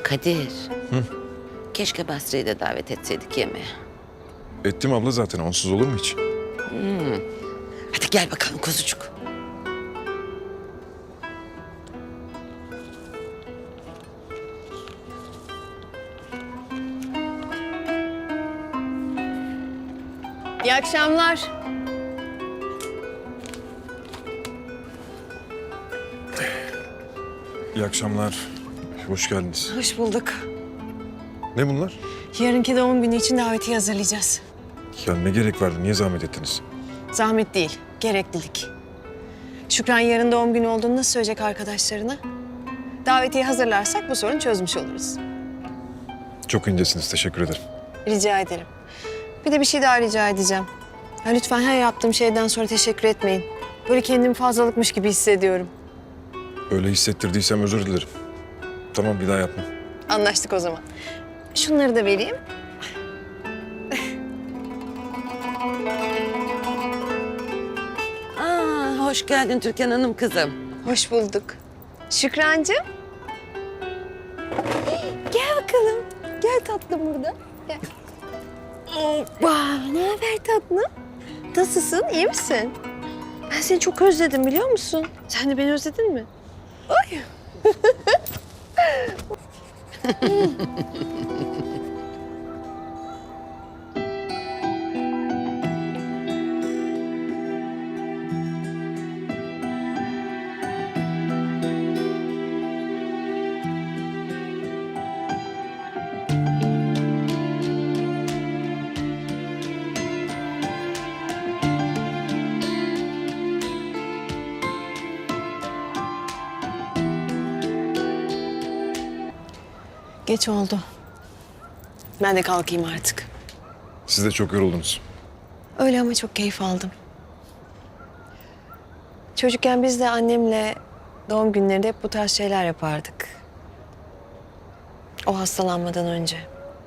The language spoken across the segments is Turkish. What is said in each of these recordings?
Kadir. Hı? Keşke Basri'yi de davet etseydik yemeğe. Ettim abla zaten. Onsuz olur mu hiç? Hadi gel bakalım kuzucuk. İyi akşamlar. İyi akşamlar. Hoş geldiniz. Hoş bulduk. Ne bunlar? Yarınki doğum günü için davetiye hazırlayacağız. Ya ne gerek vardı? Niye zahmet ettiniz? Zahmet değil, gereklilik. Şükran yarın doğum günü olduğunu nasıl söyleyecek arkadaşlarına? Davetiye hazırlarsak bu sorunu çözmüş oluruz. Çok incesiniz. Teşekkür ederim. Rica ederim. Bir de bir şey daha rica edeceğim. Ya lütfen her yaptığım şeyden sonra teşekkür etmeyin. Böyle kendimi fazlalıkmış gibi hissediyorum. Öyle hissettirdiysem özür dilerim. Tamam, bir daha yapma. Anlaştık o zaman. Şunları da vereyim. Hoş geldin Türkan Hanım kızım. Hoş bulduk. Şükrancığım. Gel bakalım. Gel tatlım burada. Gel. Hoppa. Ne haber tatlım? Nasılsın? İyi misin? Ben seni çok özledim biliyor musun? Sen de beni özledin mi? Ay. Geç oldu. Ben de kalkayım artık. Siz de çok yoruldunuz. Öyle ama çok keyif aldım. Çocukken biz de annemle doğum günlerinde hep bu tarz şeyler yapardık. O hastalanmadan önce.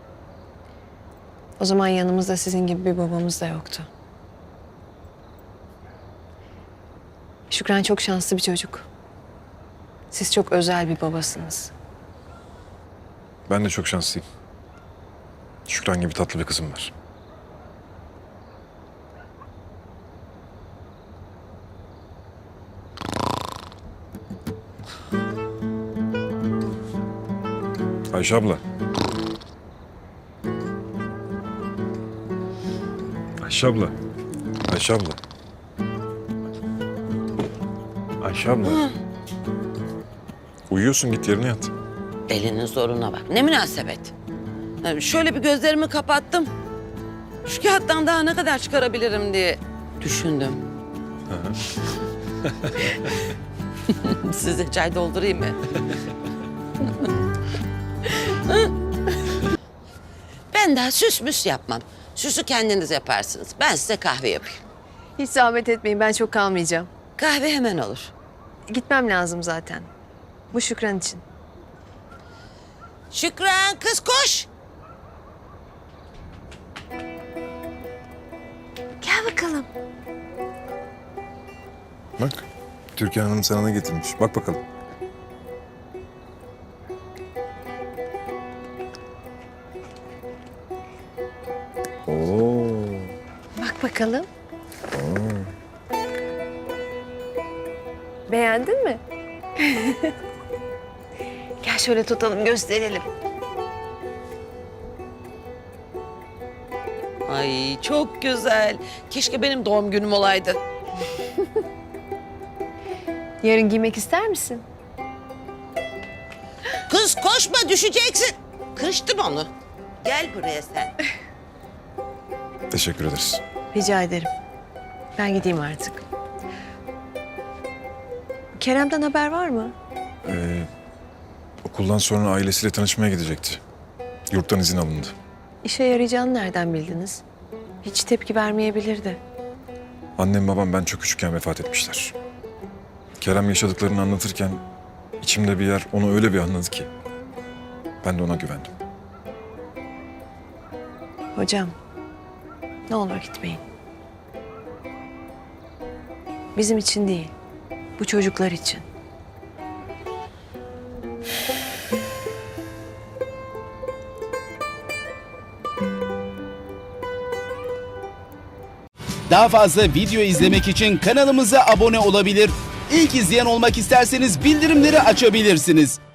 O zaman yanımızda sizin gibi bir babamız da yoktu. Şükran çok şanslı bir çocuk. Siz çok özel bir babasınız. Ben de çok şanslıyım. Şükran gibi tatlı bir kızım var. Ayşe abla. Ayşe abla. Ayşe abla. Ayşe abla. Uyuyorsun, git yerine yat. Elinin zoruna bak. Ne münasebet. Şöyle bir gözlerimi kapattım. Şu kağıttan daha ne kadar çıkarabilirim diye düşündüm. Size çay doldurayım mı? Ben daha süs müs yapmam. Süsü kendiniz yaparsınız. Ben size kahve yapayım. Hiç zahmet etmeyin, ben çok kalmayacağım. Kahve hemen olur. Gitmem lazım zaten. Bu Şükran için. Şükran kız koş. Gel bakalım. Bak, Türkan Hanım sana ne getirmiş. Bak bakalım. Oo. Bak bakalım. Beğendin mi? Gel şöyle tutalım, gösterelim. Ay çok güzel. Keşke benim doğum günüm olaydı. Yarın giymek ister misin? Kız koşma düşeceksin. Kırıştım onu. Gel buraya sen. Teşekkür ederiz. Rica ederim. Ben gideyim artık. Kerem'den haber var mı? Okuldan sonra ailesiyle tanışmaya gidecekti. Yurttan izin alındı. İşe yarayacağını nereden bildiniz? Hiç tepki vermeyebilirdi. Annem babam ben çok küçükken vefat etmişler. Kerem yaşadıklarını anlatırken içimde bir yer onu öyle bir anladı ki. Ben de ona güvendim. Hocam, ne olur gitmeyin. Bizim için değil, bu çocuklar için. Daha fazla video izlemek için kanalımıza abone olabilir. İlk izleyen olmak isterseniz bildirimleri açabilirsiniz.